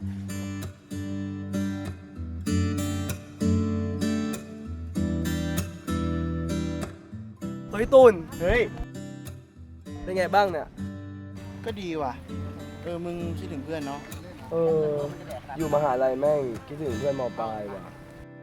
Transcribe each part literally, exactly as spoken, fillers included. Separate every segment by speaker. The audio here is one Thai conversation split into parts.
Speaker 1: เฮ้ยตูน
Speaker 2: เฮ้ย
Speaker 1: เป็นไงบ้างเนี่ย
Speaker 2: ก็ดีว่ะ เออ มึงคิดถึงเพื่อนเนาะ
Speaker 1: เออ อยู่มหาลัยแม่งคิดถึงเพื่อนมปลายว่ะ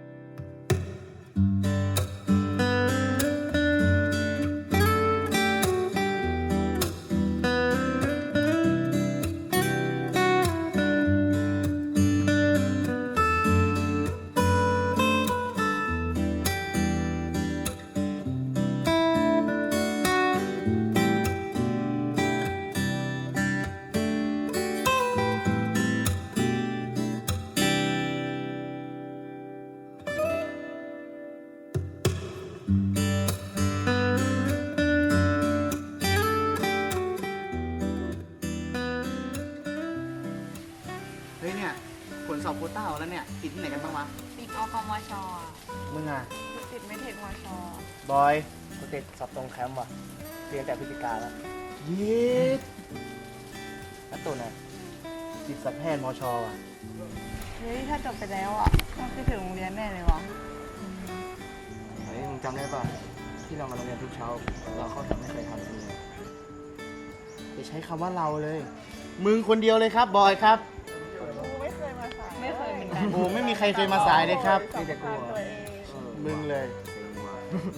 Speaker 2: เฮ้ยเนี่ยผลสอบโควต้าออกแล้วเนี่ย ติดที่ไหนกันบ้างวะ
Speaker 3: ติดอกมชอ่ะ
Speaker 2: มึงอ่ะ
Speaker 3: ติดไม่เทคมช
Speaker 2: บอย
Speaker 1: กูติดสอบตรงแคมป์ว่ะ เรียนแต่พฤติการแล้ว
Speaker 2: ยีด
Speaker 1: แล้วตูนอ่ะ
Speaker 2: ติดสัตวแพทย์มชว่ะ
Speaker 3: เฮ้ยถ้าจบไปแล้วอ่ะต้องคิดถึงโรงเรียนแน่เลยวะ
Speaker 1: เฮ้ยมึงจำได้ป่ะ ที่เรามาโรงเรียนทุกเช้า เราเข้าแถวไม่เคยทำกันเลย
Speaker 2: จะใช้คำว่าเราเลย มึงคนเดียวเลยครับ บอยครับ
Speaker 3: ไม่เคยมาสายไม่เคยเหมือนกัน
Speaker 2: โอ้ไม่มีใครเคยมาสายเลยครับ
Speaker 1: นี่แต่กูอ่ะ
Speaker 2: มึงเลย
Speaker 1: เซ็งว่ะ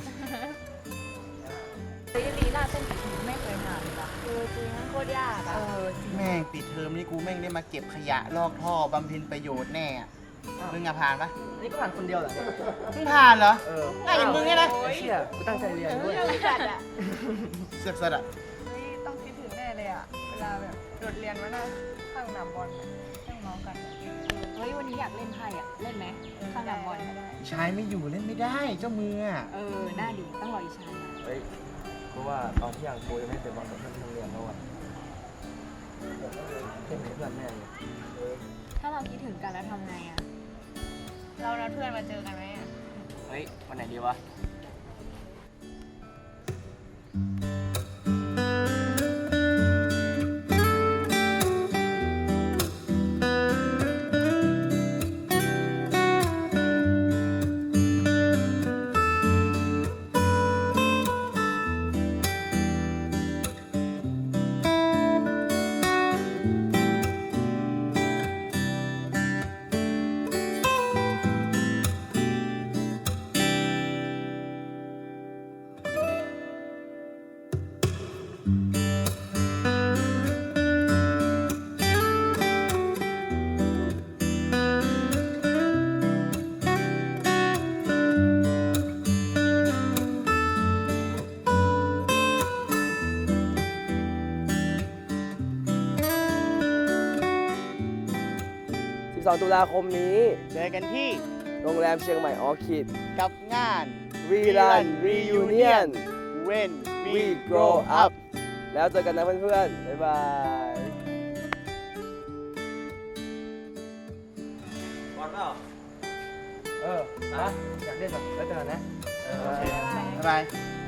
Speaker 3: เฮ้ยลีลาเต้นไม่เคยหาเลยว่ะเออจริงมันโคตรยากอ่ะเออจริง
Speaker 2: แม่งปิดเทอมนี่กูแม่งได้มาเก็บขยะลอกท่อบำเพ็ญประโยชน์แน่อะมึงอะผ่านปะ
Speaker 1: นี่ก็ผ่านคนเดียวเหรอเนี่ย
Speaker 2: มึงผ่านเหรอ
Speaker 1: เออ
Speaker 2: ง่ายอย่างมึงเนี่ยนะ
Speaker 1: ไอ้เชี่ยกูตั้งใจเรียนด้วย
Speaker 3: ไม่จัดอ่ะ
Speaker 2: เสือกสัตว์อะ
Speaker 3: เฮ้ยต้องคิดถึงแน่เลยอ่ะเวลาแบบโดดเรียนมานั่งข้างหนามบอลนั่งน้องกันเฮ้ยวันนี้อยากเล่นไพ่อ่ะเล่นไหมข้างหนามบอล
Speaker 2: ชายไม่อยู่เล่นไม่ได้เจ้ามืออะ
Speaker 3: เออหน้าดีต้องรออีชานะ
Speaker 1: เฮ้ยเพราะว่าตอนที่อย่างกูยังไม่เตะบอลกับเพื่อนที่โรงเรียนแล้วอ่ะเพื่อนเพื่อนแน่เลย
Speaker 3: ถ้าเราคิดถึงกันแล้วทำไงอ่ะเรานัดเพื่อนมาเจอกันไหมอ่ะ
Speaker 1: เฮ้ย วันไหนดีวะ สิบสอง ตุลาคมนี้
Speaker 2: เจอกันที่
Speaker 1: โรงแรมเชียงใหม่ออคิด
Speaker 2: กับงาน
Speaker 1: We Run Reunion
Speaker 2: When
Speaker 1: We Grow Up แล้วเจอกันนะเพื่อนๆ บ๊ายบาย บอลเปล่า เออนะอยากเล่นแบบแล้วเจอกันนะ
Speaker 2: โอเคบ๊ายบาย